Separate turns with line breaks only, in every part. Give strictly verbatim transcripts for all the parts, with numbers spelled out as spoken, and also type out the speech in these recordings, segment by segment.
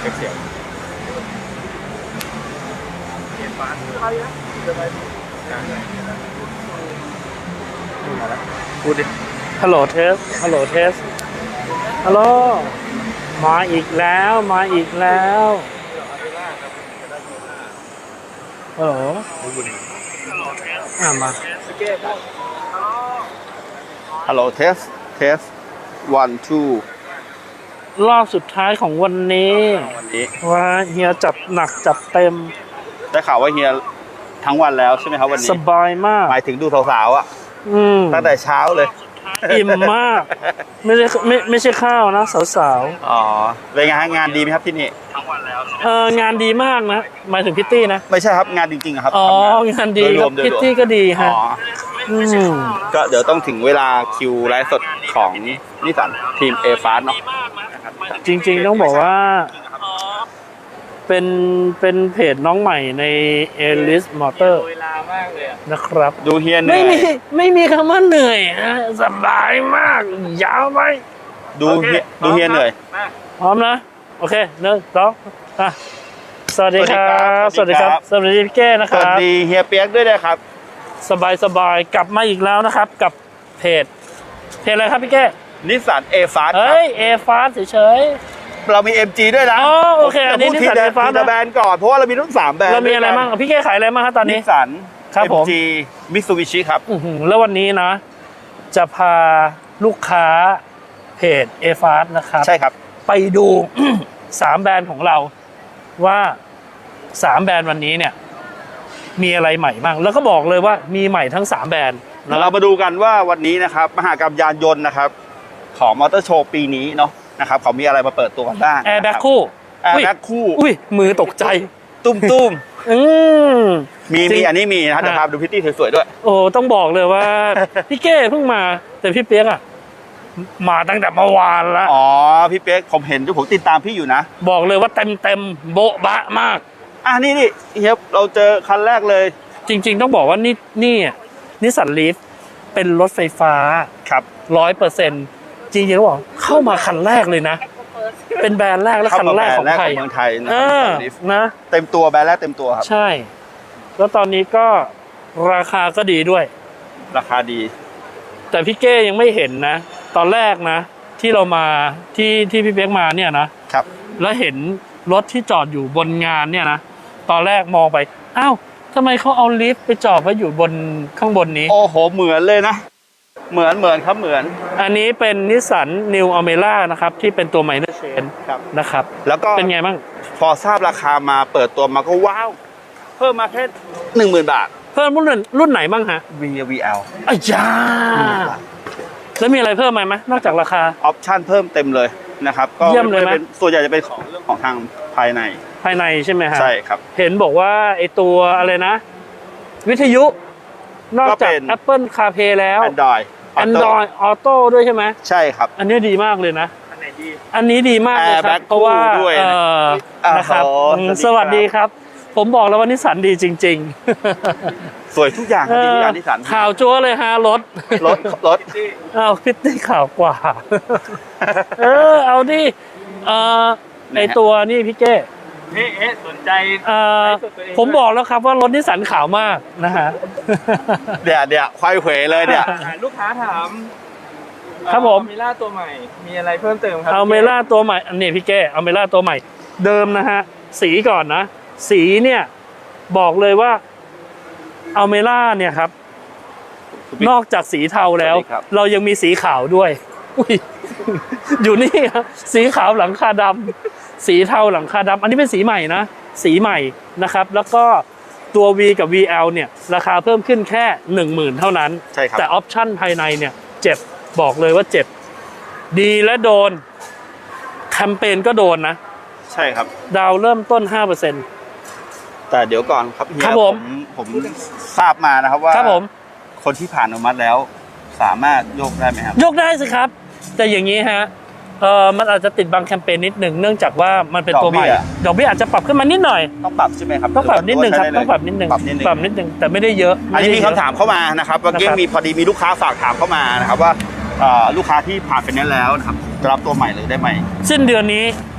เช็คเสียงเสียงฟ้าใครนะเดี๋ยวไปพูดดิ
ฮัลโหลเทสฮัลโหลเทสฮัลโหลมาอีกแล้วมาอีกแล้วฮัลโหลอ่ามา
ฮัลโหลเทสเทส one two
รอบสุดท้ายของวันนี้
วันนี้
ว่าเฮียจับหนักจับเต็ม
ได้ข่าวว่าเฮียทั้งวันแล้วใช่ไหมครับวันนี้
สบายมาก
หมายถึงดูสาวๆอ่ะตั้งแต่เช้าเลย
อิ่มมากไม่ใช่ไม่ไม่ใช่ข้าวนะสาว
ๆอ๋อเป็นไงฮะงานดีไหมครับที่นี่ทั้งวันแล้ว
เอองานดีมากนะหมายถึงพิตตี้นะ
ไม่ใช่ครับงานจริงๆครับ
อ๋องานดีครับพิตตี้ก็ดีฮะ
ก็เดี๋ยวต้องถึงเวลาคิวไลฟ์สดของนิสสันทีม เอ ฟาส เนาะ
จริงๆต้องบอกว่าเป็นเป็นเพจน้องใหม่ใน เอ ลิส Motor
เวลามากเลย
นะครับ
ดูเฮียเหนื่อย
ไม่มีไม่มีคำว่าเหนื่อยสบายมากยาวไป
ดูเฮียดูเฮียเหนื่อย
พร้อมนะโอเคหนึ่งสองอ่ะสวัสดีครับสวัสดีครับสวัสดีพี่แก้นะครับ
สวัสดีเฮียเปียกด้วยนะครับ
สบายสบายกลับมาอีกแล้วนะครับกับเพจเพจอะไรครับพี่แก้
นิสสัน เอ ฟาส
เฮ้ย เอ ฟาส เฉย
ๆเรามี เอ็ม จี ด้วยนะ
อ๋อโอเคอันนี้นิสสัน เอ ฟาส
นะแบรนด์ก่อนเพราะว่าเรามีทั้งสามแบรนด์
เรามีอะไรบ้างพี่แก้ขายอะไรบ้างครับตอนนี้
นิสสัน
ครับผม
เอ็ม จี มิตซูบิชิครับ
แล้ววันนี้นะจะพาลูกค้าเพจ เอ ฟาส นะครับ
ใช่ครับ
ไปดู สามแบรนด์ของเราว่าสามแบรนด์วันนี้เนี่ยมีอะไรใหม่บ้างแล้วก็บอกเลยว่ามีใหม่ทั้งสามแบรนด์
เรามาดูกันว่าวันนี้นะครับมหกรรมยานยนต์นะครับของมอเตอร์โชว์ปีนี้เนาะนะครับเขามีอะไรมาเปิดตัวกันบ้าง
แอร์แบ็คคู่
แอร์แบ็คคู่
อุ้ยมือตกใจ
ตุ้มตุ้ม
อืม
มีมีอันนี้มีนะครับเดี๋ยวพาดูพิตตี้สวยๆด้วย
โอ้ต้องบอกเลยว่า พี่เก้เพิ่งมาแต่พี่เปี๊ยกอะมาตั้งแต่เมื่อวานแล้ว
อ๋อพี่เป๊กผมเห็นด้วยผมติดตามพี่อยู่นะ
บอกเลยว่าเต็มเต็มโบ๊ะบะมาก
อ่ะนี่นี่เฮียเราเจอคันแรกเลย
จริงๆต้องบอกว่านี่นี่นิสสันลีฟเป็นรถไฟฟ้า
ครับ
ร้อยเปอร์เซ็นต์จริงๆต้องบอกเข้ามาคันแรกเลยนะเป็นแบรนด์แรกและคันแรกของไทย
เมืองไทย
นะ
เต็มตัวแบรนด์แรกเต็มตัวครับ
ใช่แล้วตอนนี้ก็ราคาก็ดีด้วย
ราคาดี
แต่พี่เก้ยังไม่เห็นนะตอนแรกนะที่เรามาที่ที่พี่เป๊กมาเนี่ยนะครับแล้วเห็นรถที่จอดอยู่บนงานเนี่ยนะตอนแรกมองไปอ้าวทำไมเขาเอาลิฟต์ไปจอดไว้อยู่บนข้างบนนี้
โอ้โหเหมือนเลยนะเหมือนเหมือนครับเหมือน
อันนี้เป็นนิสสันนิวอเมร่านะครับที่เป็นตัวไมเนอร์เชนนะครับ
แล้วก็
เป็นไงบ้าง
พอทราบราคามาเปิดตัวมาก็ว้าวเพิ่มมาแค่หนึ่งหมื่นบาท
เพิ่มรุ่นรุ่นไหนบ้างฮะ
วี วี แอล
อ้ยาแล้วมีอะไรเพิ่มไหมนอกจากราคา
ออปชั่นเพิ่มเต็มเลยนะครับก็
เยี่ยมเลยไหม
ส่วนใหญ่จะเป็นของเรื่องของทางภายใน
ภายในใช่ไหมฮะ
ใช่ครับ
เห็นบอกว่าไอตัวอะไรนะวิทยุนอกจาก Apple CarPlay แล้ว
Android
Android Auto ด้วยใช่ไหม
ใช่ครับ
อันนี้ดีมากเลยนะอันไหนดีอันนี้ดีมากเลยครับเพราะว่าเออนะครับสวัสดีครับผมบอกแล้วว่านิสสันดีจริง
ๆสวยทุกอย่างดีทุกอย่างนิสสัน
ข่าวจั๊วเลยฮะรถ
รถรถ
เอาพิตตี้ข่าวกว่าเออเอาดิเออในตัวนี่พี่เก้
เอ๊ะสนใจ
เออผมบอกแล้วครับว่ารถนิสสันขาวมากนะฮะ
เดี๋ยวเดี๋ยวควายเขวเลยเนี่ย
ลูกค้าถาม
ครับผม
เมล่าตัวใหม่มีอะไรเพิ่มเติมครับ
เอาเมล่าตัวใหม่อันนี้พี่เก้เอาเมล่าตัวใหม่เดิมนะฮะสีก่อนนะสีเนี่ยบอกเลยว่าอัลเมร่าเนี่ยครับนอกจากสีเทาแล้วเรายังมีสีขาวด้วยอุ้ยอยู่นี่ครับสีขาวหลังคาดำสีเทาหลังคาดำอันนี้เป็นสีใหม่นะสีใหม่นะครับแล้วก็ตัว V กับ วี แอล เนี่ยราคาเพิ่มขึ้นแค่หนึ่งหมื่นเท่านั้นแต่ออปชั่นภายในเนี่ยเจ็บบอกเลยว่าเจ็บดีและโดนแคมเปญก็โดนนะ
ใช่ครับ
ดาวเริ่มต้น ห้าเปอร์เซ็นต์
แต่เดี๋ยวก่อนครับเฮีย
ผม
ผมทราบมานะครับว่า
ครับผม
คนที่ผ่านอนุมัติแล้วสามารถโยกได้ไหมครับ
โยกได้สิครับแต่อย่างนี้ฮะเออมันอาจจะติดบางแคมเปญนิดหนึ่งเนื่องจากว่ามันเป็นตัวใหม่ดอกเบี้ยอาจจะปรับขึ้นมานิดหน่อย
ต้องปรับใช่ไหมครับ
ต้องปรับนิดนึงครับต้องปรับนิดนึงปรับนิดนึงแต่ไม่ได้เยอะ
อันนี้มีคำถามเข้ามานะครับเมื่อกี้มีพอดีมีลูกค้าฝากถามเข้ามานะครับว่าลูกค้าที่ผ่านไฟแนนซ์แล้วนะครับจะรับตัวใหม่เลยได้ไหม
สิ้นเดือนนี้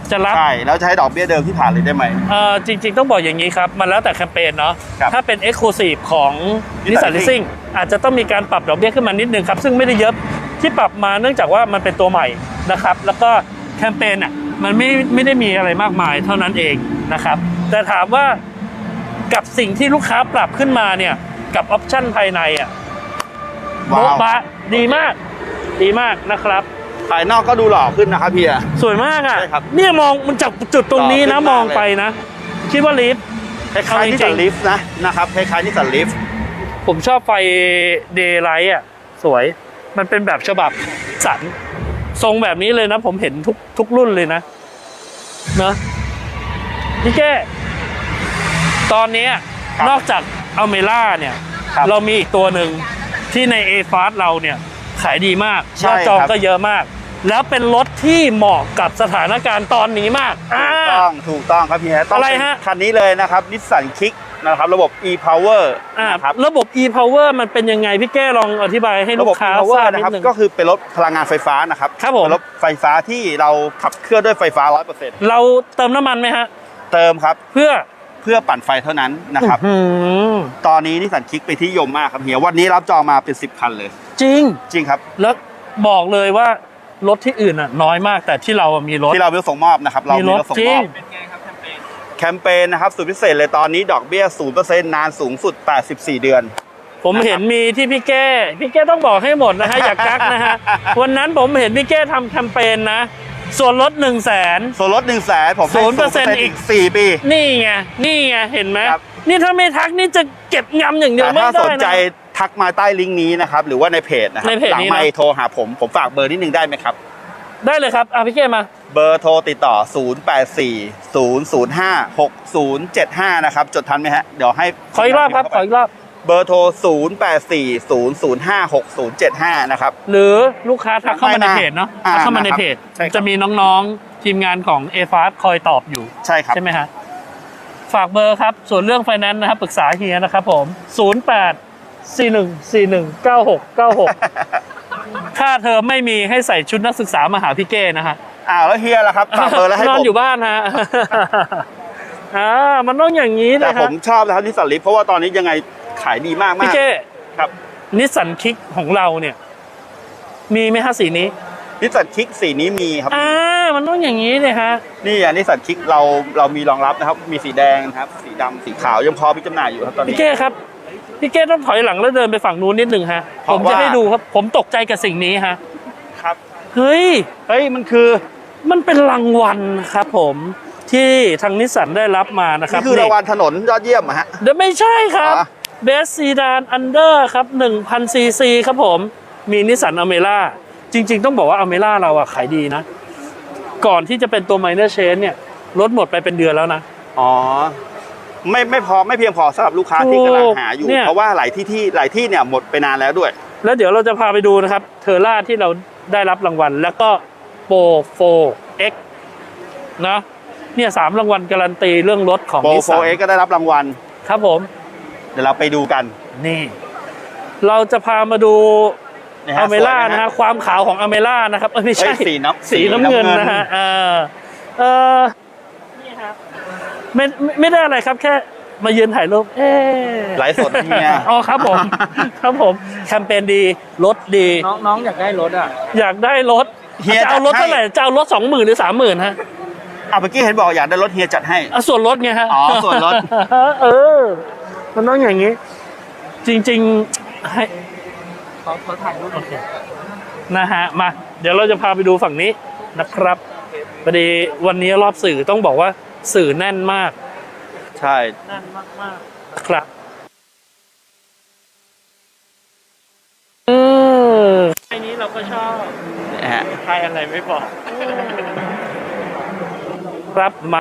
จะรับ
ใช่แล้วจะให้ดอกเบี้ยเดิมที่ผ่านเลยได้ไหม
เอ่อจริงๆต้องบอกอย่างนี้ครับ มันแล้วแต่แคมเปญเนาะ
ครับ
ถ้าเป็น Exclusive ของ
Nissan
Nissan Leasing อาจจะต้องมีการปรับดอกเบี้ยขึ้นมานิดนึงครับ ซึ่งไม่ได้เยอะที่ปรับมาเนื่องจากว่ามันเป็นตัวใหม่นะครับ แล้วก็แคมเปญอ่ะมันไม่ไม่ได้มีอะไรมากมายเท่านั้นเองนะครับ แต่ถามว่ากับสิ่งที่ลูกค้าปรับขึ้นมาเนี่ยกับออปชั่นภายในอ่ะโบ๊ะ
ว้าว
บะดีมากดีมากนะครับ
ภายนอกก็ดูหล่อขึ้นนะครับเฮีย
สวยมากอ่ะ
ใช่ครับ
เนี่ยมองมันจากจุดตรงนี้นะ
ต่อขึ้น
ม
มา
อง
เลย
ไปนะ คิดว่าลิฟต์
คล้ายๆนิสสันลิฟต์นะนะครับคล้ายๆนิสสันลิฟต์
ผมชอบไฟเดย์ไลท์อ่ะ สวย มันเป็นแบบฉบับสัน ทรงแบบนี้เลยนะ ผมเห็นทุกทุกรุ่นเลยนะเนอะพี่แก้ตอนนี้นอกจากอัลเมล่าเนี่ย เรามีอีกตัวหนึ่งที่ใน A Fast เราเนี่ยขายดีมากยอดจองก็เยอะมาก แล้วเป็นรถที่เหมาะกับสถานการณ์ตอนนี้มาก
ถูกต้องถูกต้องครับเฮียต้อง
อะไร
เป็น
ฮะ
คันนี้เลยนะครับนิสสันคิกนะครับระบบ e-power
อ่า
นะครับ
ระบบ e-power มันเป็นยังไงพี่แก้ลองอธิบายให้
ระ
ลู
บบ
กค้า
e-power
ทราบ
นะ
นิ
ครับ
ดนึง
ก็คือเป็นรถพลังงานไฟฟ้านะครับ
ครับผม
เป็นรถไฟฟ้าที่เราขับเคลื่อนด้วยไฟฟ้า ร้อยเปอร์เซ็นต์
เราเติมน้ำมันไหมฮะ
เติมครับ
เพื่อ
เพื่อปั่นไฟเท่านั้นนะครับ
อื้อหือ
ตอนนี้นิสสันคิกเป็นที่นิยมมากครับเฮียวันนี้รับจองมาเป็นสิบคันเลย
จริง
จริงครับ
แล้วบอกเลยว่ารถที่อื่นอ่ะน้อยมากแต่ที่เราอะมีรถ
ที่เรามีรถส่งมอบนะครับเรา
มี
มี
รถ
รถส่ง
จริ
ม
ง
อบ
เป็นไงครับแคมเปญ
แคมเปญนะครับสุดพิเศษเลยตอนนี้ดอกเบี้ย ศูนย์เปอร์เซ็นต์ นานสูงสุด แปดสิบสี่ เดือน
ผม
นะครับ
เห็นมีที่พี่แก้พี่แก้ต้องบอกให้หมดนะฮะ อย่ากักนะฮะ วันนั้นผมเห็นพี่แก้ทำแคมเปญนะ ส่วนลดหนึ่งแสน
ส่วนลด หนึ่งแสนผมให้
ศูนย์เปอร์เซ็นต์
อีกสี่ปี
นี่ไงนี่ไงเห็นไหม
ครับ
นี่ถ้าไม่ทักนี่จะเก็บงำอย่างเดียว
แต่
ไม่
ถ้า
ได้
สนใจ
นะ
ทักมาใต้ลิงก์นี้นะครับ หรือว่าในเพจนะครับ
ในเพจ
หลั
นี้
ไม่
นะ
โทรหาผม ผมฝากเบอร์นิดนึงได้ไหมครับ
ได้เลยครับอ่ะพี่แก้มา
เบอร์โทรติดต่อ ศูนย์ แปด สี่ ศูนย์ ศูนย์ ห้า หก ศูนย์ เจ็ด ห้า นะครับ จดทันไหมฮะ เดี๋ยวให้
ขออีกรอบครับขออีกรอบ
เบอร์โทร ศูนย์ แปด สี่ ศูนย์ ศูนย์ ห้า หก ศูนย์ เจ็ด ห้า นะครับ
หรือลูกค้าทักเข้ามาใน
ไม่นะ
เพจเนาะ
อ่า
ทักเข้ามาใน
นะครับ
เพจ
ใช่ครับ
จะมีน้องๆทีมงานของ a f a s คอยตอบอยู่
ใช่ครับ
ใช่ไหมฮะ ฝากเบอร์ครับ ส่วนเรื่องไฟแนนซ์นะครับ ปรึกษาเฮียนะครับผม ศูนย์ แปด สี่ หนึ่ง สี่ หนึ่ง เก้า หก เก้า หก ค่าเทอมไม่มีให้ใส่ชุดนักศึกษามาหาพี่เก้นะฮะ
อ้าวแล้วเฮียล่ะครับฝากเบอร์แล้วให้
นอน
ผม
อยู่บ้านฮะ อ่ามันต้องอย่างนี้
แต่
นะ
ผ
ฮะ
มชอบนะครับนิสสันลิฟเพราะว่าตอนนี้ยังไงขายดีมาก
พี่
มาก
เก้
ครับ
นิสสันคิกของเราเนี่ย มีไหมฮะสีนี้
นิสสันคิกสีนี้มีครับ
อ่า มันต้องอย่างนี้เลยฮะ
นี่อ่ะนิสสันคิกเราเรามีรองรับนะครับ มีสีแดงนะครับ สีดำสีขาวยังพอมีจำหน่ายอยู่ครับตอน
พี่
นี้
เก้ครับ พี่เก้ต้องถอยหลังแล้วเดินไปฝั่งนู้นนิดนึงฮะ
เพ
ผ
ราะ
มจะ
ว่า
ให้ดูครับ ผมตกใจกับสิ่งนี้ฮะ
ครับ
เฮ้ย
เฮ้ยมันคือ
มันเป็นรางวัลครับผมที่ทางนิสสันได้รับมานะครับ
นี่คือรางวัลถนนยอดเยี่ยมอะฮะ
เดี๋ยวไม่ใช่ครับ
อ๋อ
Best Sedan Under ครับ หนึ่งพัน ซี ซี ครับผม มีนิสสันอเมร่าจริง ๆ ต้องบอกว่าอเมร่าเราอะขายดีนะ ก่อนที่จะเป็นตัว Minor Change เนี่ยรถหมดไปเป็นเดือนแล้วนะ
อ๋อไม่ไม่พอไม่เพียงพอสำหรับลูกค้าที่กำลังหาอยู่
เนี่ย
เพราะว่าหลายที่ที่หลายที่เนี่ยหมดไปนานแล้วด้วย
แล้วเดี๋ยวเราจะพาไปดูนะครับเทอร่าที่เราได้รับรางวัล แล้วก็โปร โฟร์ เอ็กซ์ นะเนี่ยสามรางวัลการันตีเรื่องรถของ
โปร
นิส
โฟ
สัน
เอ็กก็ได้รับรางวัล
ครับผม
เดี๋ยวเราไปดูกัน
นี่ เราจะพามาดู
นะฮะ
อเมร่า
สวยไหมฮะ
นะฮะความขาวของอเมร่านะครับเอ้ยไม่ใช่
เอ้ยสีน้ำ
สีน้ำ
สีน้ำ
เงิน
เงิน
นะฮะเออเออนี่ครับไม่ไม่ไม่ได้อะไรครับแค่มายืนถ่ายรูปเอ๊ะ
ไลฟ์สดเนี่ย
อ๋อครับผม ครับผมแคมเปญดีรถดี
น้องน้องอยากได้รถอ่ะ
อยากได้รถ
เฮีย
จะเอารถ
จัดให้
เท่าไหร่จะเอารถสองหมื่นหรือสามหมื่นฮะ
อ่ะเมื่อกี้เห็นบอกอยากได้รถเฮียจัดให้
เอาส่วนลดไงฮะ
อ๋อส่วนลด
เออ มันต้องอย่างนี้ จริงๆให้
เขาเขาถ่ายรูป
โอเคนะฮะมา เดี๋ยวเราจะพาไปดูฝั่งนี้นะครับพอดีวันนี้รอบสื่อต้องบอกว่าสื่อแน่นมาก
ใช่
แน่นมากมากครับเออไอ้นี้เราก็ชอบ
นะฮะ
ใครอะไรไม่บอก ครับมา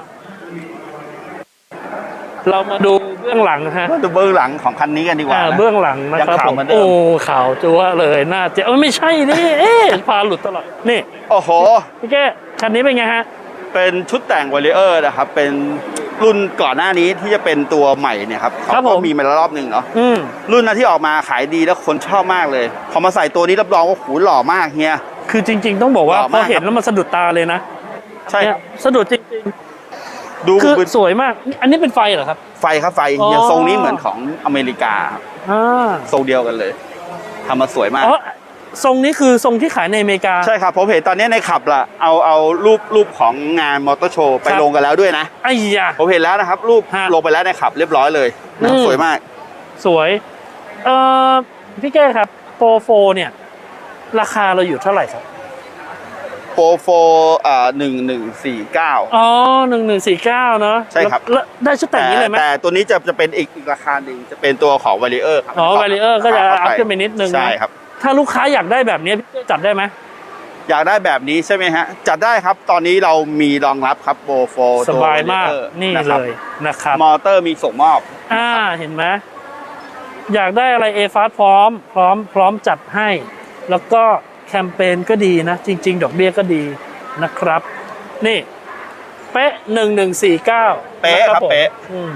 เรามาดูเบื้องหลังฮะ
มาดูเบื้องหลังของคันนี้กันดีกว่า
อ่า
นะ
เบื้องหลังนะครับ
ยังขาว
ผม
เหมือนเดิม
โอ้ข่าวจัวเลยน่าจะเออไม่ใช่นี่เอ๊ะพาหลุดตลอดนี่
โอ้โห
พี่แก้คันนี้เป็นไงฮะ
เป็นชุดแต่งวอลเลเยอร์นะครับ เป็นรุ่นก่อนหน้านี้ที่จะเป็นตัวใหม่เนี่ยครับเขา
ครับผ
ก็
ม
มีมาแล้วรอบหนึ่งเนาะ
อืม
รุ่นนั้นที่ออกมาขายดีแล้วคนชอบมากเลย พอมาใส่ตัวนี้รับรองว่าหูหล่อมากเฮีย
คือจริง ๆ ต้องบอกว่า
หล่อ
พอ
มาก
เห็น
ครับ
แล้วมันสะดุดตาเลยนะ
ใช่ครับ
เนี่ยสะดุดจริง
ดู
ๆ คือ
เป็น
สวยมาก อันนี้เป็นไฟเหรอครับ
ไฟครับไฟ
อ๋อ
อย่างทรงนี้เหมือนของอเมริกาครับ
อ่า
ทรงเดียวกันเลยทำมาสวยมาก
อ๋อทรงนี้คือทรงที่ขายในอเมริกา
ใช่ครับผมเห็นตอนนี้ในขับละเอาเอารูปรูปของงานมอเตอร์โชว์ไป
ครับ
ลงกันแล้วด้วยนะ
ไอ้ยา
ผมเห็นแล้วนะครับ รูป
ฮะ
ลงไปแล้วในขับเรียบร้อยเลยนะ
อืม
สวยมาก
สวย เอ่อ พี่แก้ครับโปรโฟเนี่ย ราคาเราอยู่เท่าไหร่ครับ
โปรโฟอ่าหนึ่งหนึ่งสี่เก้า
อ๋อหนึ่งหนึ่งสี่เก้าเนาะ
ใช่ครับ
แล้วแล้วได้ชุดแต่
แต่
งนี้เลยไหม
แต่ตัวนี้จะจะเป็นอีกอีกราคาหนึ่งจะเป็นตัวของวาริเออร์ครับ
อ๋อ Warrior ก็จะ
เข้า
อัพขึ้นไปนิดนึงนะ
ใช่ครับ
ถ้าลูกค้าอยากได้แบบนี้พี่แก้จัดได้ไหม
อยากได้แบบนี้ใช่ไหมฮะ จัดได้ครับ ตอนนี้เรามีรองรับครับโปรโฟ
สบายมาก นี่
นะค
เล
รับ
ยนะครับ
มอเตอร์มีส่งมอบ
อ่า เห็นไหมอยากได้อะไร A Fast พร้อม พร้อม พร้อมจัดให้ แล้วก็แคมเปญก็ดีนะ จริง ๆ ดอกเบี้ยก็ดีนะครับ นี่ เป๊ะหนึ่งหนึ่งสี่เก้า
เป๊ะครับเป๊ะ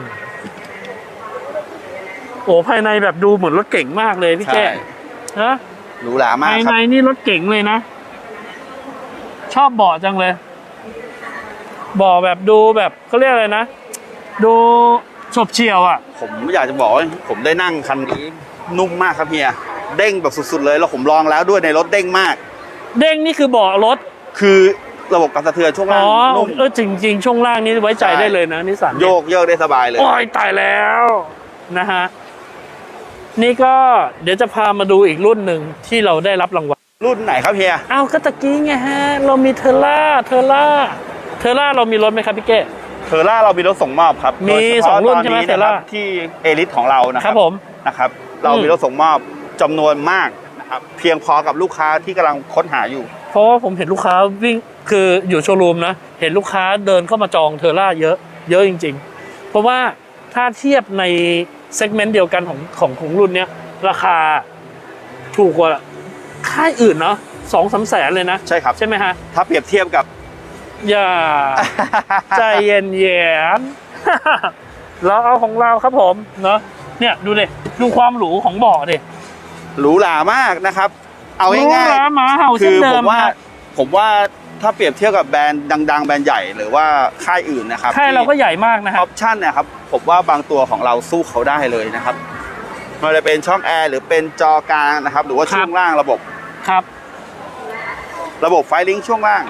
โอ้ภายในแบบดูเหมือนรถเก่งมากเลยพี่
ใช่
แก้นะ
หรูหรามาก
ภาย
ค
ใน
รับ
นี่รถเก่งเลยนะ ชอบเบาะจังเลยเบาะแบบดูแบบเขาเรียกอะไรนะ ดูฉบเฉี่ยวอ่ะ
ผมอยากจะบอกว่าผมได้นั่งคันนี้นุ่มมากครับเฮียเด้งแบบสุดๆเลยแล้วผมลองแล้วด้วยในรถเด้งมาก
เด้งนี่คือเบาะรถ
คือระบบการสะเทือนช่วง
อ๋
ล่าง
อ
นุ่ม
เออจริง ๆ ช่วงล่างนี้ไว้ใจ
ใช่
ได้เลยนะนิสสัน
โยกเยกได้สบายเลย
โอ้ยตายแล้วนะฮะนี่ก็เดี๋ยวจะพามาดูอีกรุ่นหนึ่งที่เราได้รับรางวัล
รุ่นไหนครับเฮีย
อ้าวก็ตะกี้ไงฮะ เรามีเทอร่าเทอร่าเทอร่าเรามีรถไหมครับพี่เก้
เทอร่าเรามีรถส่งมอบครับ
มี
โดยเฉพาะ
สองรุ่น
ต
ใช่ไหม
ะคบ
Terra
ที่เอลิทของเรานะ
ค
ค
รั
รั
บบ ผม
นะครับ เรา
อืม
มีรถส่งมอบจำนวนมากนะครับเพียงพอกับลูกค้าที่กำลังค้นหาอยู่
เพราะว่าผมเห็นลูกค้าวิ่งคืออยู่โชว์รูมนะ เห็นลูกค้าเดินเข้ามาจองเทอร่าเยอะเยอะจริง ๆ เพราะว่าถ้าเทียบในเซกเมนต์เดียวกันของของของรุ่นเนี้ยราคาถูกกว่าค่ายอื่นเนาะสองสามแสนเลยนะ
ใช่ครับ
ใช่ไหมฮะ
ถ้าเปรียบเทียบกับ
อย่า ใจเย็นเย็น เราเอาของเราครับผมเนาะเนี่ยดูดิดูความหรูของเบาะดิ
หรูหรามากนะครับ เอา
หรู
ง่าย
หราหมาเห่า
ๆ
เช่
คื
น
อ
เดิ
ผม มว่า
ครับ
ผมว่าถ้าเปรียบเทียบกับแบรนด์ดัง ๆ แบรนด์ใหญ่หรือว่าค่ายอื่นนะครับ
ค่ายเราก็ใหญ่มากนะ
อ
ครั
อบ ปชั่นเนี่ยครับผมว่าบางตัวของเราสู้เขาได้เลยนะครับไมันจะเป็นช่องแอร์หรือเป็นจอกลางนะครับ หรือว่า
ครับ
ช่วงล่างระบบ
ครับ
ระบบไฟลิงก์ช่วงล่าง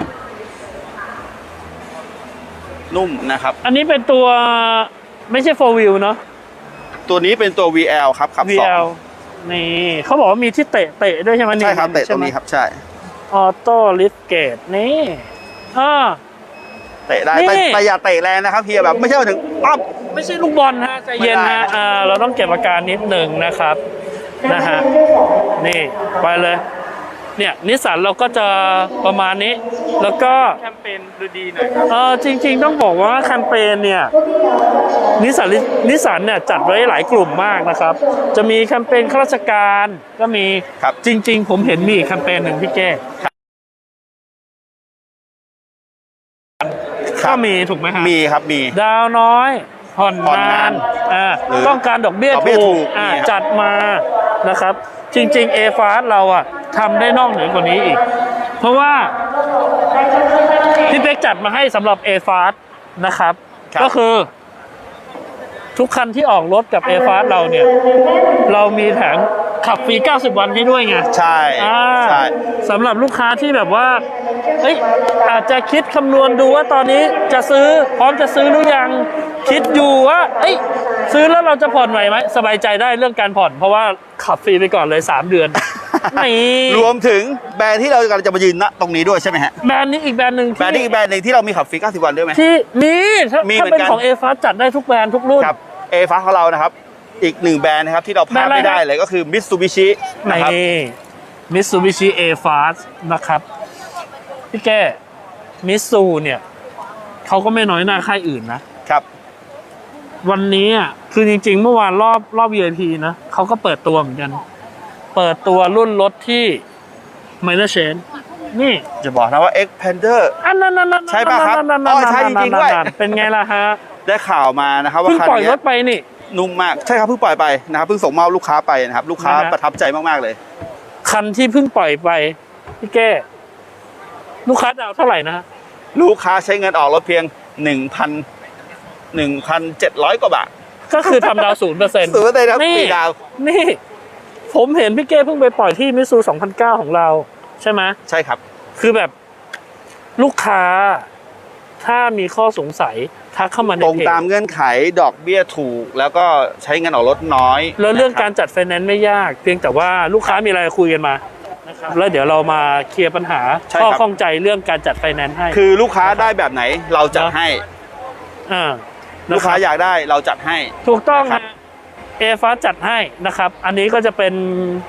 นุ่มนะครับ
อันนี้เป็นตัวไม่ใช่ four wheel เนาะ
ตัวนี้เป็นตัว วี แอล ครับขับสอง
วี แอล นี่เขาบอกว่ามีที่เตะเตะด้วยใช่ไหม
ใช่ครับเตะตรงนี้ครับใช่
ออโต้ลิฟเกตนี่อ่า
เตะได้
นี่
แต่แต่อย่าเตะแรงนะครับเฮียแบบไม่ใช่ว่าถึงปั๊บ
ไม่ใช่ลูกบอลฮะใจเย็น
ไม่ได้
ฮะ
ครับ
อ่าเราต้องเก็บอาการนิดหนึ่งนะครับนะฮะนี่ไปเลยเนี่ยนิสสันเราก็จะประมาณนี้ แล้วก็
แคมเปญดูดีหน่อยครับ
เออจริงๆต้องบอกว่าแคมเปญเนี่ยนิสสันนิสสันเนี่ยจัดไว้หลายกลุ่มมากนะครับ จะมีแคมเปญข้าราชการก็มี
ครับ
จริง ๆ ผมเห็นมีอีกแคมเปญหนึ่งพี่แก้ก็มีถูกไหมฮะ
มีครับมี
ดาวน้อยผ่อน
ผ่อน
นาน
าน
อ่า
หรือ
ต้องการดอกเบี้ย
ดอกเบี้ย
ถู
ถู
ก
ก
อ่า
มีครับ
จัดมานะครับ จริงๆ A Fast เราอ่ะทำได้นอกเหนือกว่านี้อีก เพราะว่าพี่เป๊กจัดมาให้สำหรับ A Fast นะครับ
ครับ
ก็คือ ทุกคันที่ออกรถกับ A Fast เราเนี่ย เรามีแผงขับฟรีเก้าสิบวันให้ด้วยไง
ใช่
อ่า
ใช่
สำหรับลูกค้าที่แบบว่าเอ้ยอาจจะคิดคำนวณดูว่าตอนนี้จะซื้อพร้อมจะซื้อหรือยังคิดอยู่ว่าเอ้ยซื้อแล้วเราจะผ่อนไหวไหมสบายใจได้เรื่องการผ่อน เพราะว่าขับฟรีไปก่อนเลยสามเดือน นี่
รวมถึงแบรนด์ที่เรากำลังจะมายืนณตรงนี้ด้วยใช่ไหมฮะ
แบรนด์นี้อีกแบรนด์หนึ่ง
แบรนด์นี้อีกแบรนด์หนึ่งที่เรามีขับฟรีเก้าสิบวันด้วยไหม
ที่มีถ้า
มี
ถ้า
เหมือน
เป็น
กัน
ของ A Fast จัดได้ทุกแบรนด์ทุกรุ่น
ครับเอฟ้าของเรานะครับ อีกหนึ่งแบรนด์นะครับที่เราพลาดไม่ได้เลยก็คือ Mitsubishi
ใน
นะครับ
Mitsubishi A Fast นะครับพี่แก้มิตซูเนี่ยเขาก็ไม่น้อยหน้าค่ายอื่นนะ
ครับ
วันนี้อ่ะคือจริงๆ เมื่อวานรอบรอบ วี ไอ พี นะเขาก็เปิดตัวเหมือนกัน เปิดตัวรุ่นรถที่ Minor Change นี่
จะบอกนะว่า Xpander
อันนั้นนั่นนั่น
ใช่ปะครับ
นั่น
อ๋อใช่จริงๆด้วย
เป็นไงล่ะฮะ
ได้ข่าวมานะครับว่า
เพิ่ง
คัน
ปล่อยร
เนี้
ถไปนี่
นุ่มมากใช่ครับเพิ่งปล่อยไปนะครับเพิ่งส่งมอบลูกค้าไปนะครับลูกค้า
นะฮะ
ประทับใจมากๆเลย
คันที่เพิ่งปล่อยไปพี่แก้ลูกค้าดาวเท่าไหร่นะฮะ
ลูกค้าใช้เงินออกรถเพียงหนึ่งพันหนึ่งพันเจ็ดร้อยกว่าบาท
ก็คือทำดาวศูนย์เปอร์เซ็นต์
ศูนย์เปอร์เซ็นต์ครับ
นี่
ปีดาว
นี่ ผมเห็นพี่เก้เพิ่งไปปล่อยที่มิซูสองพันเก้าของเรา ใช่ไหม
ใช่ครับ
คือแบบลูกค้า ถ้ามีข้อสงสัยทักเข้ามาใน
ตรง
เพจ
ตามเงื่อนไขดอกเบี้ยถูก แล้วก็ใช้เงินออกรถน้อย
แล้วเรื่อง
นะคบ
การจัดไฟแนนซ์ไม่ยาก เพียงแต่ว่าลูกค้ามีอะไรคุยกันมานะครับแล้วเดี๋ยวเรามาเคลียร์ปัญหา
ใช่
ข้อ
ครับ
ข้องใจเรื่องการจัดไฟแนนซ์ให้
คือลูกค้าได้แบบไหนเราจัดให้
อ่า
ลูกค้าอยากได้เราจัดให้
ถูกต้อง
นะครั
ฮะ
บ
เอฟาจัดให้นะครับ อันนี้ก็จะเป็น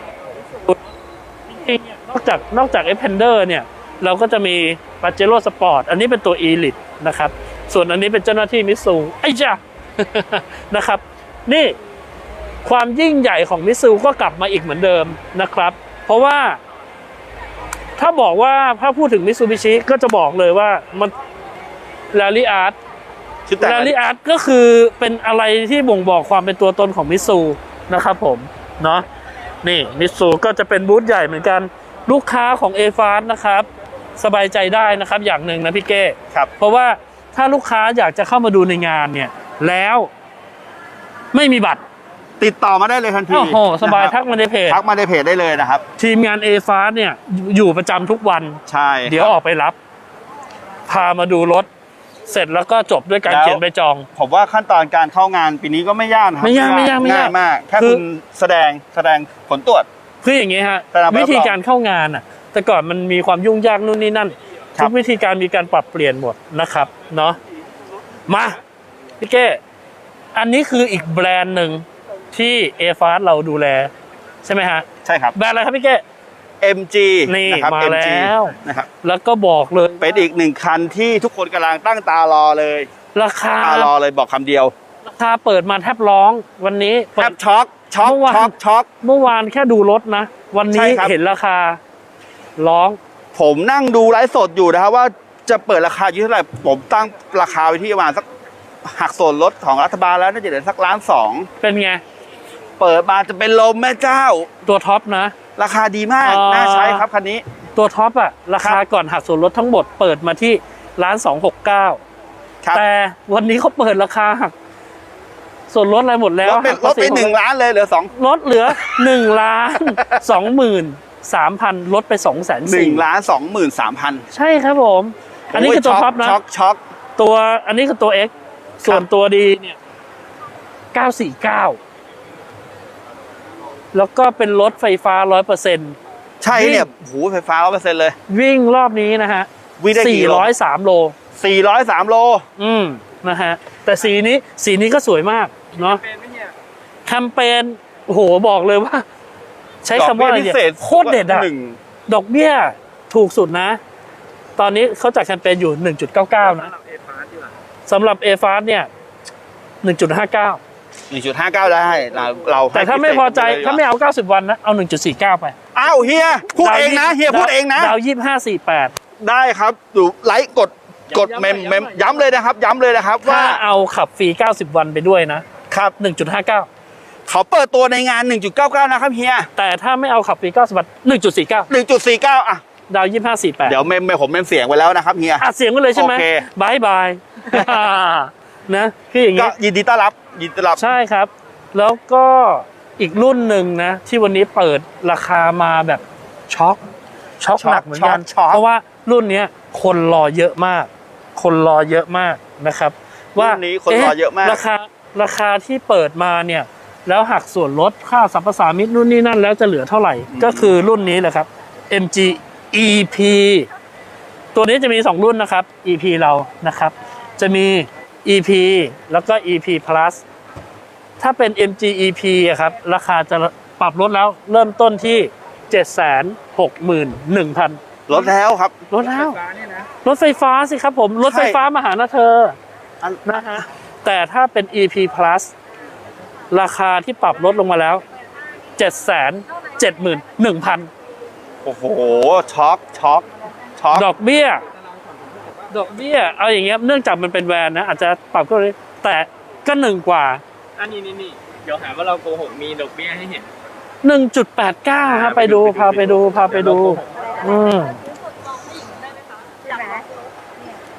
จริงๆนอกจากนอกจากเอฟเพนเดอร์เนี่ย เราก็จะมีปาเจโร่สปอร์ตอันนี้เป็นตัว Elite นะครับ ส่วนอันนี้เป็นเจ้าหน้าที่มิตซูไอ้จ้า นะครับ นี่ความยิ่งใหญ่ของมิตซูก็กลับมาอีกเหมือนเดิมนะครับ เพราะว่า ถ้าบอกว่าถ้าพูดถึงมิตซูบิชิก็จะบอกเลยว่ามันลาลิอาร์ต
ชุดแต่ง
ลาลิอาร์ตก็คือเป็นอะไรที่บ่งบอกความเป็นตัวตนของมิตซูนะครับผมเนาะนี่มิตซูก็จะเป็นบูธใหญ่เหมือนกันลูกค้าของ เอ เอฟ เอ นะครับสบายใจได้นะครับอย่างหนึ่งนะพี่เก้
ครับ
เพราะว่าถ้าลูกค้าอยากจะเข้ามาดูในงานเนี่ยแล้วไม่มีบัตร
ติดต่อมาได้เลยทันที
โอ้โหสบาย
นะครับ
ทักมาในเพจ
ทักมาในเพจได้เลยนะครับ
ทีมงาน เอ เอฟ เอ เนี่ยอยู่ประจำทุกวัน
ใช่
เดี๋ยวออกไปรับ พามาดูรถ เสร็จแล้วก็จบด้วยการเขียนใบจอง
ผมว่าขั้นตอนการเข้างานปีนี้ก็ไม่ยากนะครับ
ไม่ยากไม่ยากไม่ยาก
ง่ายมาก แค่
คือ
คุณแสดงแสดงผลตรวจ
คืออย่างนี้ฮะ
แต่เราไม่
วิธีการเข้างานอ่ะ แต่ก่อนมันมีความยุ่งยากนู่นนี่นั่น
ครับ
ทุกวิธีการมีการปรับเปลี่ยนหมดนะครับเนาะมาพี่เก้อันนี้คืออีกแบรนด์หนึ่งที่ เอ เอฟ เอ เราดูแล ใช่ไหมฮะ
ใช่ครับ
แบรนด์อะไรครับพี่เก้
เอ็ม จี
นี่
นะครับ
มา
เอ็ม จี
แล้ว
นะครับ
แล้วก็บอกเลย
เป็นอีกหนึ่งคันที่ทุกคนกำลังตั้งตารอเลย
ราคา
ตารอเลยบอกคำเดียว
ราคาเปิดมาแทบร้องวันนี้
แท
เปิด
บช็อกช็อก
เมื่อวาน
ช็อกช็อก
เมื่อวานแค่ดูรถนะ วัน
ใช่
นี้
ครับ
เห็นราคาร้อง
ผมนั่งดูไลฟ์สดอยู่นะครับว่าจะเปิดราคาอยู่เท่าไหร่ผมตั้งราคาไว้ที่ประมาณสักหักส่วนลดของรัฐบาลแล้วน่าจะเหลือสักล้านสอง
เป็นไง
เปิดมาจะเป็นลมแม่เจ้า
ตัวท็อปนะ
ราคาดีมาก
อ่า
น่าใช้ครับคันนี้
ตัวท็อปอะราคาก่อนหักส่วนลดทั้งหมดเปิดมาที่ล้านสองหกเก้า
ครับ
แต่วันนี้เขาเปิดราคาหักส่วนลดอะไรหมดแล้ว
ลดเป็น
หัก
ล
ภา
ด
ษี
ไปหนึ่งล้านเลยเหลือสอง
ลดเหลือหนึ่งล้านสองหมื่นสามพันลดไปสองแสน
หนึ่
สี่
งล้านสองหมื่นสามพัน
ใช่ครับผม อันนี้คือตัวท็อปนะ
ช็อกช็อก
ตัวอันนี้คือตัว X ส่วนตัวดีเนี่ยเก้าสี่เก้าแล้วก็เป็นรถไฟฟ้าร้อยเปอร์เซ็นต์
ใช่เนี่ยหูไฟฟ้าร้อยเปอร์เซ็นต์เลย
วิ่งรอบนี้นะฮะ
วิ่งได้กี่
สี่
โล
ร้อยสามโล
สี่ร้อยสามโล
อืมนะฮะ แต่สีนี้สีนี้ก็สวยมากเนาะ
เป็นไหมเนี่ย
แคมเปญโอ้โหบอกเลยว่า ใช้คำว่าอะไร
ดก
เนี่
เบี้
ย
พิศษ
โคตรเด็ดอะ
หนึ่ง
ดอกเบี้ยถูกสุดนะ ตอนนี้เขาจัดแคมเปญอยู่ หนึ่งจุดเก้าเก้า นะ
สำหรับเอฟาร์ดีกว่า
สำหรับ เอ เอฟ เอ เนี่ย หนึ่งจุดห้าเก้า
หนึ่งจุดห้าเก้าได้เราเราให้
แต่ถ้าไม่พอใจ
พิเศษปลย
ถ้าไม่เอาเก้าสิบวันนะ เอา หนึ่งจุดสี่เก้า ไป
อ้าวเฮียพูดเองนะเฮียพูดเองนะ
ดาวยี่สิบห้าสี่แปด
ได้ครับดูไลค์กดกดเมมเมมย้ำเลยนะครับ ย้ำเลยนะครับ
ถ้า
ว่า
เอาขับฟรีเก้าสิบวันไปด้วยนะ
ครับ
หนึ่งจุดห้าเก้า
เขาเปิดตัวในงาน หนึ่งจุดเก้าเก้า นะครับเฮีย
แต่ถ้าไม่เอาขับฟรีเก้าสิบวัน หนึ่งจุดสี่เก้า
หนึ่งจุดสี่เก้า อ่ะ
ดาวยี่สิบห้าสี่แปด
เดี๋ยวเมมเมมผมเมมเสียงไว้แล้วนะครับเฮีย
อัดเสียงไว้เลยใช่ไหม
โอเค
บายบาย นะคืออย่าง
ก็
นี้
ยินดีต้อนรับยินดีต้อนรับ
ใช่ครับ แล้วก็อีกรุ่นหนึ่งนะ ที่วันนี้เปิดราคามาแบบช็อกช็อก
ช็อก
หนักเหมือนกัน
ช็อกช็อก
เพราะว่ารุ่นเนี้ยคนรอเยอะมาก คนรอเยอะมากนะครับ ว่า
รุ่นนี้คนรอเยอะมาก
ราคาราคาที่เปิดมาเนี่ย แล้วหักส่วนลดค่าสรรพสามิตนู่นนี่นั่นแล้วจะเหลือเท่าไหร่ ก็คือรุ่นนี้แหละครับ เอ็ม จี อี พี ตัวนี้จะมีสองรุ่นนะครับ อี พี เรานะครับ จะมี อี พี แล้วก็ อี พี Plus ถ้าเป็น เอ็ม จี อี พี อะครับ ราคาจะปรับลดแล้วเริ่มต้นที่ เจ็ดแสนหกหมื่นหนึ่งพัน
ลดแล้วครับ
ลดแล้ว
ไฟฟ้าเนี่ยนะ
รถไฟฟ้าสิครับผม รถไฟฟ้ามาหานะเธอ
อัน
นะฮะแต่ถ้าเป็น อี พี Plus ราคาที่ปรับลดลงมาแล้ว เจ็ดแสนเจ็ดหมื่นหนึ่งพัน
โอ้โหช็อกช็อกช็อก
ดอกเบี้ย ดอกเบี้ย เอาอย่างเงี้ยเนื่องจากมันเป็นแวนนะ อาจจะปรับก็เลยแต่ก็หนึ่งกว่า
อันนี้นี่นี่เดี๋ยวหาว่าเราโกหกมีดอกเบี้ยให้เห็น
หนึ่งจุดแปดเก้าฮะไปดูพาไปดูพาไปดู อืม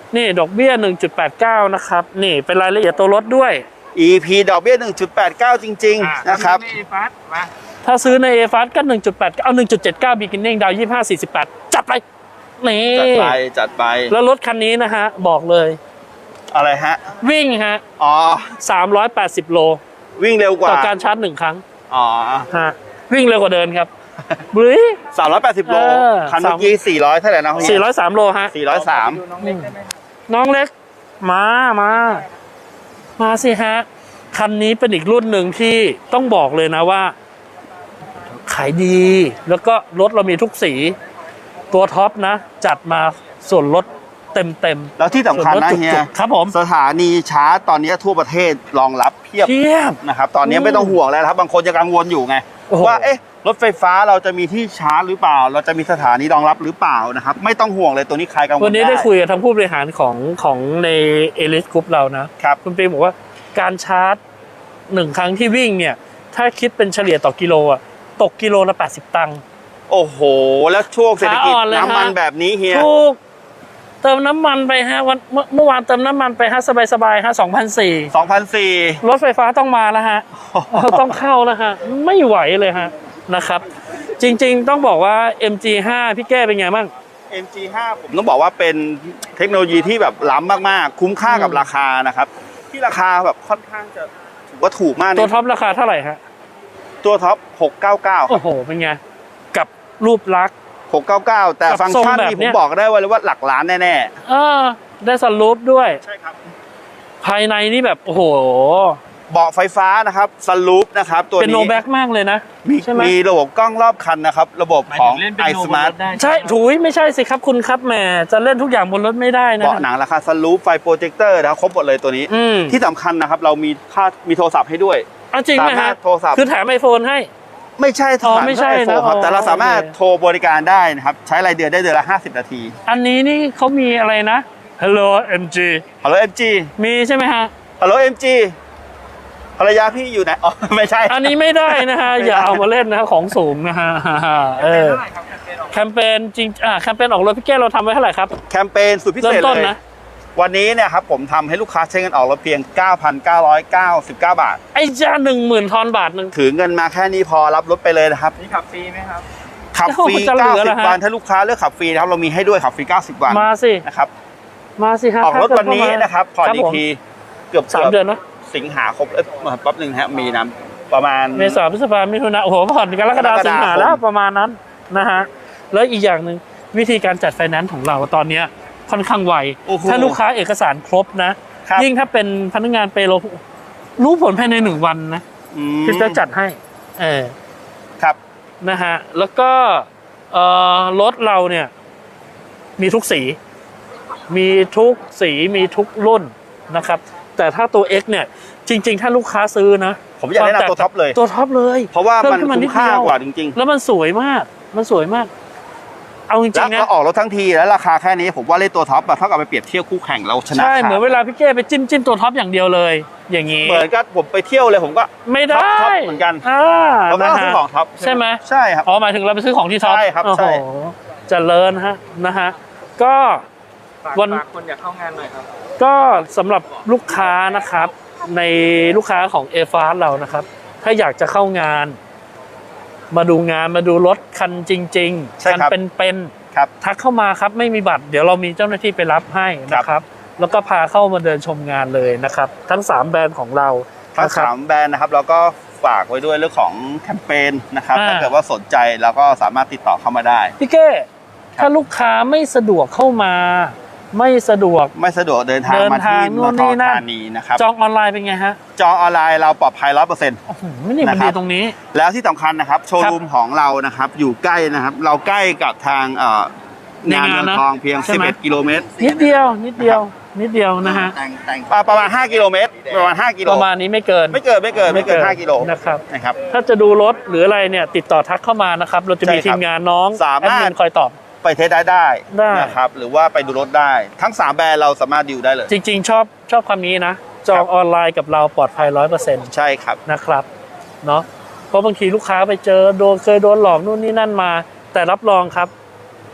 นี่ดอกเบี้ย หนึ่งจุดแปดเก้า นะครับนี่เป็นรายละเอียดตัวรถด้วย
อี พี ดอกเบี้ย หนึ่งจุดแปดเก้า จริง ๆ นะครับ
นี่ฟัสมา
ถ้าซื้อใน เอ เอฟ เอส ก็ หนึ่งจุดแปด เอา หนึ่งจุดเจ็ดเก้า beginning ดาว ยี่สิบห้า สี่สิบแปด จัดไปนี่
จัดไปจัดไป
แล้วรถคันนี้นะฮะบอกเลย
อะไรฮะ
วิ่งฮะ
อ๋อ
สามร้อยแปดสิบโล
วิ่งเร็วกว่า
ต่อการชาร์จหนึ่งครั้ง
อ๋อ
ฮะวิ่งเร็วกว่าเดินครับบลิ
สามร้อยแปดสิบโล
เออ
คันเมื่อกี้สี่ร้อยเท่าไหร่นะ
สี่ร้อยสามโลฮะ
สี่ร้อยสาม
ดูน้องเล็กได้ไหม
น้องเล็ก มามา มาสิฮะ คันนี้เป็นอีกรุ่นหนึ่งที่ต้องบอกเลยนะว่า ขายดี แล้วก็รถเรามีทุกสี ตัวท็อปนะ จัดมาส่วนลดเต็มเต็ม
แล้วที่สำคัญนะเฮีย
ครับผม
สถานีชาร์จตอนนี้ทั่วประเทศรองรับเพียบ
เทียบ
นะครับตอนนี้
อืม
ไม่ต้องห่วงแล้วนะครับบางคนจะกังวลอยู่ไง
โอ้โห
ว่าเอ๊ะรถไฟฟ้าเราจะมีที่ชาร์จหรือเปล่า เราจะมีสถานีรองรับหรือเปล่านะครับไม่ต้องห่วงเลยตัวนี้ใครกังวล
วันนี้ได้คุยกับทางผู้บริหารของของในเอลิสกรุ๊ปเรานะ
ครับ
คุณปีบอกว่าการชาร์จหนึ่งครั้งที่วิ่งเนี่ย ถ้าคิดเป็นเฉลี่ยต่อกิโลอ่ะตกกิโลละแปดสิบตังค์
โอ้โห แล้วช่วงเศรษฐกิจ
ขาอ่อนเลยฮะ
น้ำมันแบบนี้เฮีย
ถูกเติมน้ำมันไปฮะวันเมื่อเมื่อวานเติมน้ำมันไปฮะสบายสบายๆฮะสองพันสี่
สองพันสี่
รถไฟฟ้าต้องมาแล้วฮะ ต้องเข้าแล้วฮะไม่ไหวเลยฮะนะครับ จริงๆต้องบอกว่า เอ็ม จี ไฟว์ พี่แก้เป็นไงบ้าง
เอ็ม จี ไฟว์ ผมต้องบอกว่าเป็นเทคโนโลยีที่แบบล้ำมากๆ คุ้มค่ากับ
อืม
ราคานะครับ ที่ราคาแบบค่อนข้างจะถือว่าถูกมาก
ตัว
นะ
ท็อปราคาเท่าไหร่ฮะ
ตัวท็อปหกเก้าเก้า
โอ้โห เป็นไง กับรูปลักษณ์
หกเก้าเก้าแต่
กับ
ฟังก์ชัน
ทรงแบบ
นี่ผ
เนี้
ม
ย
บอกได้ว่าเลยว่าหลักล้านแน่
เออได้สลูปด้วย
ๆใช่ครับ
ภายในนี่แบบ โอ้โห
เบาะไฟฟ้านะครับสลูปนะครับตัว
เป็นโน
นี้
แบ็กมากเลยนะ
มี
ใช่ไหม
มีระบบกล้องรอบคันนะครับ ระบบ
หมาย
ขอ
ถึ
ง
งเล่นเป็น
i
โนบน
Smart
รถได้
ใช่ถุยไม่ใช่สิครับคุณครับแหมจะเล่นทุกอย่างบนรถไม่ได้นะ
เบาะหนังราคาสลูปไฟโปรเจคเตอร์นะครับครบหมดเลยตัวนี้
อืม
ที่สำคัญนะครับ เรามีค่ามีโทรศัพท์ให้ด้วย
เอาจริงไหม
สามาร
ฮะ
ถโทรศัพท์
คือแถมไอโฟนให้
ไม่ใช่
อ๋อ
ถาม
ไม่ใช่
ไอโฟน
นะ
ครับ
อ๋อ
แต่เราสามารถ
โอเค
โทรบริการได้นะครับ ใช้รายเดือนได้เดือนละห้าสิบนาที
อันนี้นี่เขามีอะไรนะ Hello เอ็ม จี
ฮัลโหล เอ็ม จี
มีใช่ไหมฮะ
ฮัลโหล เอ็ม จี ภรรยาพี่อยู่ไหนอ๋อไม่ใช่
อันนี้ไม่ได้นะฮะ
ไม่ได้
อย่าเอามาเล่นนะฮะของสูงนะฮะเออ
เท่าไหร่ครับแคมเปญออก
แคมเปญจริงอ่าแคมเปญออกรถพี่แก้วเราทำไว้เท่าไหร่ครับ
แคมเปญสุดพิเศ
เริ่
ษ
มต้น
เลย
นะ
วันนี้เนี่ยครับผมทำให้ลูกค้าใช้เงินออกรถเพียง เก้าพันเก้าร้อยเก้าสิบเก้า บาท
ไอ้จ้าหนึ่งหมื่นทอนบาทหนึ่ง
ถือเงินมาแค่นี้พอรับรถไปเลยนะครับ
นี่ขับฟรีไหมครับ
ขับฟรี
จะเหลือเหรอฮะ
เก้าสิบ วันถ้าลูกค้าเลือกขับฟรีนะครับเรามีให้ด้วยขับฟรีเก้าสิบ วัน
มาสิ
นะครับ
มาสิฮะ
ออกรถวันนี้นะครับผ่อนอีกทีเกือบ
สามเดือนเนาะ
สิงหาคมเอ้ยแป๊บหนึงนะฮะมีน้ำประมาณ
เมษาพฤษภามิถุนาโอ้โหผ่อนกรกฎาคมสิงหาแล้วประมาณนั้นนะฮะแล้วอีกอย่างหนึ่งวิธีการจัดไฟแนนซ์ของเราตอนเนี้ยค่อนข้างไว
โอ้โห
ถ้าลูกค้าเอกสารครบนะ
ครับ
ยิ่งถ้าเป็นพนักงานเปโลรู้ผลภายในหนึ่งวันนะ
อืม
พี่จะจัดให้ เออ
ครับ
นะฮะ แล้วก็เอ่อรถเราเนี่ย มีทุกสี มีทุกสีมีทุกรุ่นนะครับ แต่ถ้าตัว X เนี่ย จริง ๆ ถ้าลูกค้าซื้อนะ
ผมอยากแนะนำตัวท็อปเลย
ตัวท็อปเลย
เพราะว่า
พิ่
มัน
ขึ้
คุ้มค่ากว่าจริง
แล้วมันสวยมาก มันสวยมาก เอาจ
ๆ
ริ
แล้ว
งๆนะ
ก็ออกรถทั้งทีแล้วราคาแค่นี้ผมว่าเล่นตัวท็อปอะเท่ากับไปเปรียบเทียบคู่แข่งเราชนะ
ใช่
ขาด
เหมือนเวลาพี่เก้ไปจิ้มจิ้มตัวท็อปอย่างเดียวเลย อย่างนี้
เหมือนกับผมไปเที่ยวเลยผมก็
ไม่ได้
ท็อปท็อปเหมือนกัน
อ่า
เราก็
นะ
ต้องซื้อ
ฮะ
ของท็อป
ใช่ไหม
ใช่ครับ
อ๋อหมายถึงเราไปซื้อของที่ท็อป
ใช่ครับ
โอ้
ใช่
โหเจริญฮะนะฮะก็
ฝาก
วัน
ฝากคนอยากเข้างานหน่อยครับ
ก็สำหรับลูกค้านะครับ ในลูกค้าของเอฟาร์เรานะครับ ถ้าอยากจะเข้างาน มาดูงานมาดูรถคันจริง
ใช่
ๆคั
ครับ
เป็น
ครับ
ๆทักเข้ามาครับไม่มีบัตร เดี๋ยวเรามีเจ้าหน้าที่ไปรับให้นะครับ แล้วก็พาเข้ามาเดินชมงานเลยนะครับ ทั้งสามแบรนด์ของเรา
ทั้ง
นะครับ
สามแบรนด์นะครับเราก็ฝากไว้ด้วยเรื่องของแคมเปญนะครับ
อ่า
ถ้าเกิดว่าสนใจเราก็สามารถติดต่อเข้ามาได้
พี่เก้ถ้าลูกค้าไม่สะดวกเข้ามา ไม่สะดวก
ไม่สะดวกเดินทาง
เดิน
มาที่
ทางนู่
มอน ท
นี่
อ
นั่น
ธานีนะครับ
จองออนไลน์เป็นไงฮะ
จองออนไลน์เราปลอดภัยร้อยเปอร์เซ็นต์
โอ้โหนี่มัน
นะครั
ดี
บ
ตรงนี้
แล้วที่สำคัญนะครับโชว์รูมของเรานะครับอยู่ใกล้นะครับ เราใกล้กับทางเอ่อ
ใน
งาน
งาน
เมือง
นะ
ทองเพียง
ใช่ไหม
สิบเอ็ด กิโลเมตร
นิดเดียว นิดเดียว นิดเดียวนะฮะ
อ่าประมาณห้ากิโลเมตรประมาณห้ากิโล
ประมาณนี้ไม่เกิน
ไม่เกินไม่เกินไม่เกินห้ากิโล
นะครับ
นะครับ
ถ้าจะดูรถหรืออะไรเนี่ย ติดต่อทักเข้ามานะครับ เราจะมี
ใช่ครับ
ทีมงานน้อง
สามารถ
แอดมินคอยตอบ
ไปเทสได้ได้
ได้
นะครับหรือว่าไปดูรถได้ทั้งสามแบรนด์เราสามารถดิวได้เลย
จริง ๆ ชอบชอบคำนี้นะ จองออนไลน์กับเราปลอดภัยร้อยเปอร์เซ็นต์
ใช่ครับ
นะครับเนาะเพราะบางทีลูกค้าไปเจอโดนเคยโดนหลอกนู่นนี่นั่นมา แต่รับรองครับ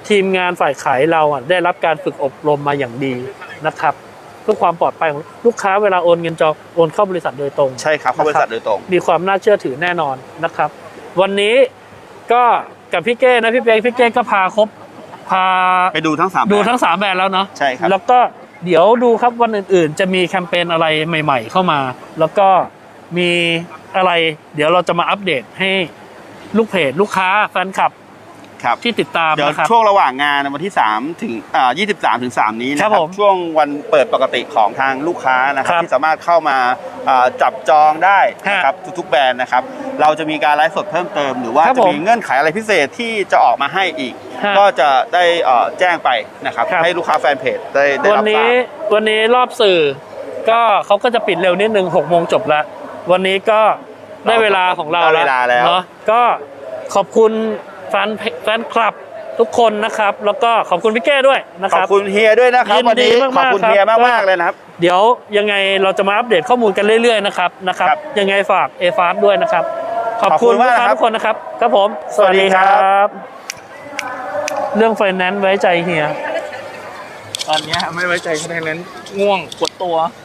ทีมงานฝ่ายขายเราอ่ะได้รับการฝึกอบรมมาอย่างดีนะครับเพื่อความปลอดภัยของลูกค้าเวลาโอนเงินจองโอนเข้าบริษัทโดยตรง
ใช่ครับเข้าบริษัทโดยตรง
มีความน่าเชื่อถือแน่นอนนะครับ วันนี้ก็กับพี่เก้นะพี่เป๊กพี่เก้ก็พาครบพา
ไปดูทั้งสาม
ดู
แบรนด์
ทั้งสามแบรนด์แล้วเนาะ
ใช่ครับ
แล้วก็เดี๋ยวดูครับวันอื่นๆ จะมีแคมเปญอะไรใหม่ๆเข้ามา แล้วก็มีอะไร เดี๋ยวเราจะมาอัปเดตให้ลูกเพจลูกค้าแฟนคลับ
ครับ
ที่ติดตาม
เดี๋ยว
นะครับ
ช่วงระหว่างงานวันที่สามถึงอ่ายี่สิบสามถึงสามนี้นะค
ครั
รั
บบ ผม
ช่วงวันเปิดปกติของทางลูกค้านะครั
ครับ บ
ที่สามารถเข้ามาอ่าจับจองได้
ฮะ
นะครับทุกๆแบรนด์นะครับเราจะมีการไลฟ์สดเพิ่มเติม หรือว่า
ครับ
จะ
ผม
มีเงื่อนไขอะไรพิเศษที่จะออกมาให้อีก
ฮะ
ก็จะได้เอ่อแจ้งไปนะครับ
ครับ
ให้ลูกค้าแฟนเพจได้ได้
วัน
รับทรา
นี้
บ
วันนี้รอบสื่อ ก็เขาก็จะปิดเร็วนิดนึงหกโมงจบแล้ว วันนี้ก็ได้เวลาของเรา
ได้เวลาแล้ว
เนาะก็ขอบคุณแฟนเพแฟนคลับทุกคนนะครับ แล้วก็ขอบคุณพี่แก้ด้วยนะ
ข
ค
อบ
รับ
คุณเฮียด้วยนะครับ
ยินดี
วันนี้
มากๆ
ขอบคุณ
ครับ
เฮีย
ก็
มากๆเลยนะครับ
เดี๋ยวยังไงเราจะมาอัปเดตข้อมูลกันเรื่อยๆนะครับนะครับ
ครับ
ยังไงฝากเอฟาร์ด้วยนะครับ ขอบ
ขอบคุ
คุณ
ณ
ลูก
มาก
ค้า
ครับ
ทุกคนนะครับครับผม
สวัสดีครับ
เรื่องไฟแนนซ์ไว้ใจเฮีย
ตอนเนี้ยไม่ไว้ใจคะแนนนั้นง่วงปวดตัว